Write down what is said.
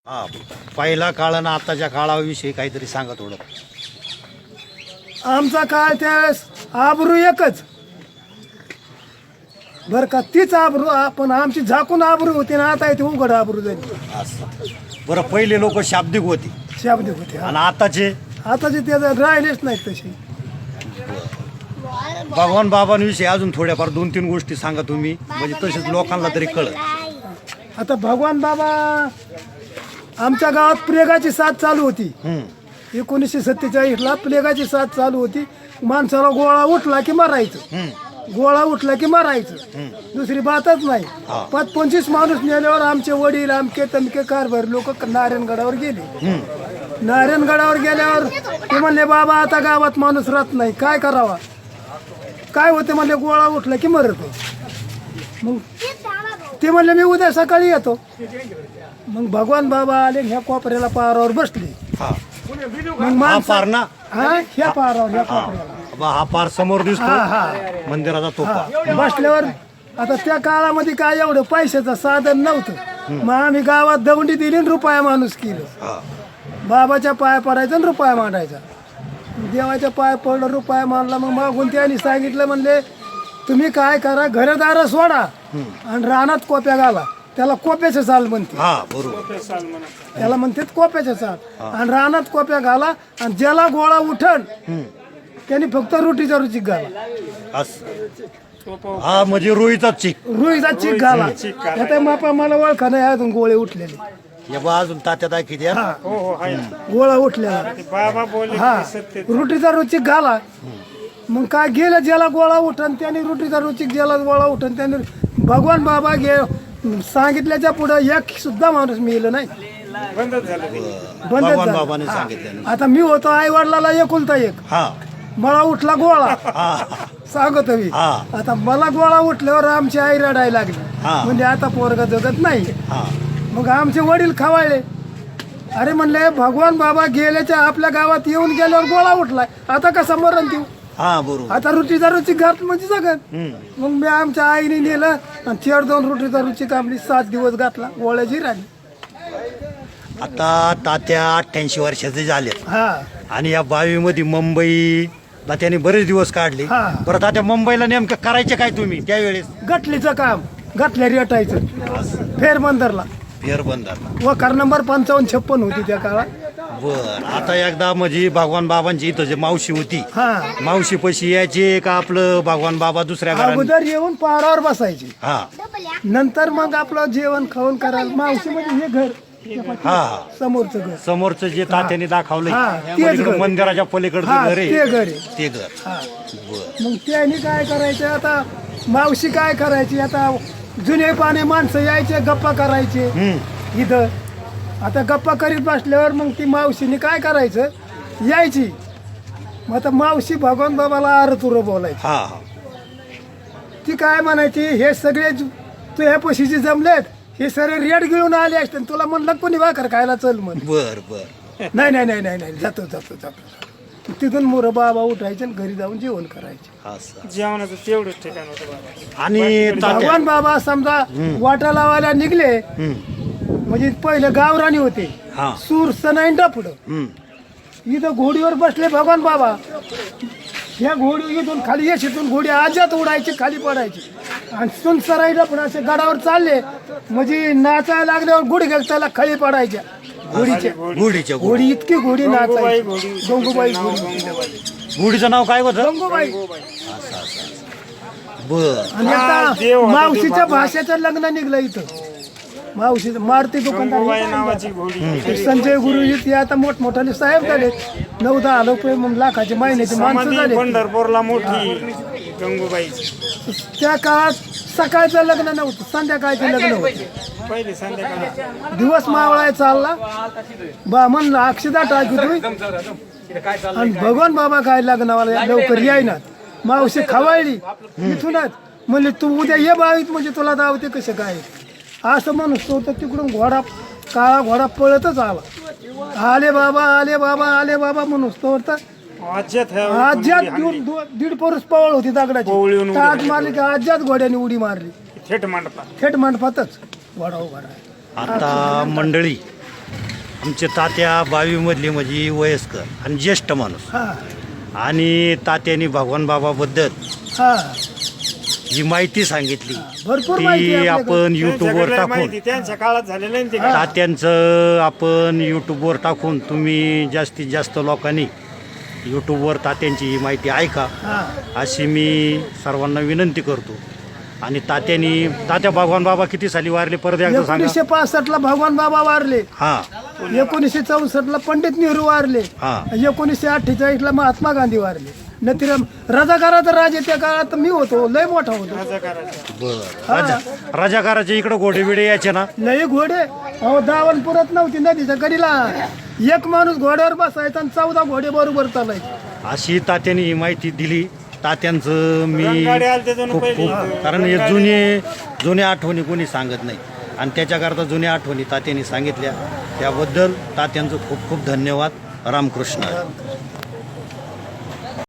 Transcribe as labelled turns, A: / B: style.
A: हा, पहिला काळ आणि आताच्या काळाविषयी काहीतरी सांगा थोडं.
B: आमचा काळ त्यावेळेस आबरू एकच बर का, तीच आबरू पण आमची झाकून आबरू होती ना, आता इथे उघड आबरू झाली.
A: असं बरं, पहिले लोक शाब्दिक होते
B: शाब्दिक होते.
A: आणि आताचे
B: आताचे त्याचं राहिलेच नाहीत तसे.
A: भगवान बाबांविषयी अजून थोड्याफार 2-3 गोष्टी सांगा तुम्ही, म्हणजे तसेच लोकांना तरी कळत.
B: आता भगवान बाबा आमच्या गावात प्लेगाची साथ चालू होती. 1947ला प्लेगाची साथ चालू होती. माणसाला गोळा उठला की मारायचं, गोळा उठला की मारायचं, दुसरी बातच नाही. 25 माणूस नेल्यावर आमचे वडील आमके तमके कारभार लोक नारायणगडावर गेले. नारायणगडावर गेल्यावर ते म्हणले, बाबा आता गावात माणूस राहत नाही, काय करावा. काय होते म्हणले, गोळा उठला की मरतो. मग ते म्हणले, मी उद्या सकाळी येतो. मग भगवान बाबा आले, ह्या कोपऱ्याला पारावर बसले. मग
A: हा
B: माणसं
A: पार ना,
B: ह्या पारावर ह्या कोपऱ्याला
A: हा पार समोर दिसतो मंदिराचा तोफा.
B: बसल्यावर आता त्या काळामध्ये काय एवढं पैशाचं साधन नव्हतं. मग आम्ही गावात दवंडी दिली आणि रुपया माणूस केलं. बाबाच्या पाया पडायचा आणि रुपया मांडायचा. देवाच्या पाय पडलं, रुपया मांडला. मग मागून त्यांनी सांगितलं, म्हणले तुम्ही काय करा, घरदार सोडा आणि रानात कोप्या घाला. त्याला कोप्याचं चाल म्हणते.
A: हा बरोबर,
B: त्याला म्हणतात कोप्याचं चाल. आणि रानात कोप्या घाला आणि ज्याला गोळा उठण त्यांनी फक्त रोटीचा रुचिक घाला.
A: असं हा म्हणजे रोईचा चिक.
B: रुईचा चिक घाला. आता मापा मला ओळखा नाही अजून गोळे उठलेले.
A: या बा अजून तात्या दाखी द्या.
B: गोळा उठलेला हा, रोटीचा रुचिक घाला. मग काय गेलं, ज्याला गोळा उठण त्याने रोटीचा रुचिक, ज्याला गोळा उठण त्याने. भगवान बाबा सांगितल्याच्या पुढे एक सुद्धा माणूस मिळलं नाही, बंदच
A: भगवान
B: झालं.
A: बाबाने सांगितलं.
B: आता मी होतो आई वडिलाला एकुलता एक,
A: हा
B: मला उठला गोळा सांगतो मी. आता मला गोळा उठल्यावर आमची आई रडायला लागली, म्हणजे आता पोरगा जगत नाही. मग आमचे वडील खवाळले. अरे म्हणले, भगवान बाबा गेल्याच्या आपल्या गावात येऊन गेल्यावर गोळा उठलाय, आता कसं मरण देऊ.
A: हा बरोबर,
B: आता रुटीचा रुची घात म्हणजे जगत. मग मी आमच्या आईने नेलं आणि 4-2 रुटीचा रुची कापली. 7 दिवस घातला, गोळ्याची राहिली.
A: आता तात्या 88 वर्षाचे झाले
B: हा,
A: आणि या बावीमध्ये मुंबईला त्याने बरेच दिवस काढले. परत आता मुंबईला नेमकं करायचे काय तुम्ही त्यावेळेस?
B: गटलीचं काम, गटल्या रेटायचं फेरबंदरला.
A: फेरबंदर
B: वकार नंबर 55-56 होती त्या काळात.
A: बर, आता एकदा म्हणजे भगवान बाबांची इथं जे मावशी होती,
B: हा,
A: मावशी पशी यायचे का आपलं भगवान बाबा दुसऱ्या घरात?
B: अगोदर येऊन पारावर बसायचे,
A: हा
B: नंतर मग आपलं जेवण खाऊन करायला. मावशी म्हणजे हे घर,
A: हा
B: समोरचं घर.
A: समोरचं जे तात्याने दाखवलंय,
B: तेच
A: पलीकडं
B: घर.
A: मंदिराच्या पलीकडचं
B: हा,
A: घर
B: ते
A: आहे,
B: घर आहे.
A: ते घर.
B: हा.
A: बर,
B: मग त्यांनी काय करायचं, आता मावशी काय करायची, आता जुने पाने माणसं यायचे, गप्पा करायचे इथं. आता गप्पा करीत बसल्यावर मग ती मावशीने काय करायचं, यायची. मग आता मावशी भगवान बाबाला आरतुरं बोलायची.
A: हा हा
B: ती काय म्हणायची, हे सगळे तू ह्या पशीचे जमलेत, हे सगळे रेड घेऊन आले असते, तुला म्हणलं कोणी भाकर खायला चल म्हण.
A: बर बर,
B: नाही नाही नाही नाही नाही, जातो जातो जातो. तिथून मोरं बाबा उठायचे आणि घरी जाऊन जेवण करायचे.
A: असं.
C: जेवणाचं तेवढंच ठिकाण होतं बाबा.
A: आणि तात्या
B: भगवान बाबा समजा वाटा लावायला निघले, म्हणजे पहिले गावराणी होते,
A: हा
B: सूर सनाईंडा पुढं. इथं घोडीवर बसले भगवान बाबा. ह्या घोडी इथून खाली येशीतून घोडी आजात उडायची, खाली पडायची. आणि सुन सराईला पुढे असे गडावर चालले, म्हणजे नाचायला लागल्यावर गुडघे त्याला खाली पडायच्या घोडीच्या.
A: गुढीच्या
B: घोडी इतकी घोडी नाचायची.
C: घोडी.
B: गंगूबाई घोडी,
A: गुढीचं नाव काय होतं?
B: गंगूबाई.
A: बर,
B: आणि आता
C: देव होता
B: मावशीच्या भाषेचं लग्न निघलं इथं. मावशी मारुती
C: गंगूबाई
B: दुकानदार
C: नावाची घोडी.
B: संजय गुरुजी ते आता मोठमोठाले साहेब झाले. 9-10 रुपये मग लाखाची महिन्याची माणसं
C: समाधी
B: झाले.
C: पंढरपूरला मोठी गंगूबाईची.
B: त्या काळात सकाळचं लग्न नव्हतं, संध्याकाळचं लग्न होतं.
C: पहिली संध्याकाळी
B: दिवस मावळाय चालला, बा म्हणलं अक्षदा टाकी तुम्ही. आणि भगवान बाबा काय लग्नावाला लवकर यायना. मावशी खवाळली इथूनच, म्हणले तू उद्या ये बावीत, म्हणजे तुला दावते कसं काय. असं म्हणून तो तर तिकडून घोडा, काळा घोडा पळतच आला. आले बाबा आले बाबा आले बाबा म्हणून तो तर
C: आज्यात
B: आज्यात 1.5 परुस पवळ होती दगडाची.
C: पवळीहून
B: टाक मारली की आज्यात घोड्याने उडी मारली.
C: थेट मांडतात.
B: थेट मंडपातच घोडा उभा राहिला.
A: आता मंडळी आमचे तात्या 22 मधले म्हणजे वयस्कर आणि ज्येष्ठ माणूस.
B: हा
A: आणि तात्यानी भगवान बाबाबद्दल
B: हा
A: जी माहिती सांगितली
B: भरपूर माहिती
A: ती
B: आहे
A: आपण
B: आपल्याकडे.
A: युट्यूबवर
C: त्यांच्याकडे
A: टाकून
C: माहिती त्यांच्या काळात झालेलं आहे ना ते काय.
A: तात्यांचं आपण यूट्यूबवर टाकून तुम्ही जास्तीत जास्त लोकांनी यूट्यूबवर तात्यांची ही माहिती ऐका
B: हा
A: अशी मी सर्वांना विनंती करतो. आणि तात्या भगवान बाबा किती साली वारले परत एकदा सांगा.
B: 1965 भगवान बाबा वारले,
A: हा
B: 1964 पंडित नेहरू वारले,
A: हा
B: 1948 महात्मा गांधी वारले. नंतर रजाकाराचा राज त्या काळात मी होतो, लय मोठा होतो.
C: रजाकाराचं.
A: बरं राजाकाराच्या इकडे घोडे बिडे यायचे ना.
B: लय घोडे अहो दावण पुरत नव्हती नदीच्या कडीला. एक माणूस घोड्यावर बसायचा आणि 14 घोडे बरोबर चालायचे.
A: अशी तात्याने ही माहिती दिली. तात्यांचं मी
C: रणगाडे आले ते जणू
A: खूप
C: पहिली.
A: खूप कारण हे जुने आठवणी कोणी सांगत नाही आणि त्याच्याकरता जुन्या आठवणी तात्यांनी सांगितल्या त्याबद्दल तात्यांचं खूप खूप धन्यवाद. रामकृष्ण.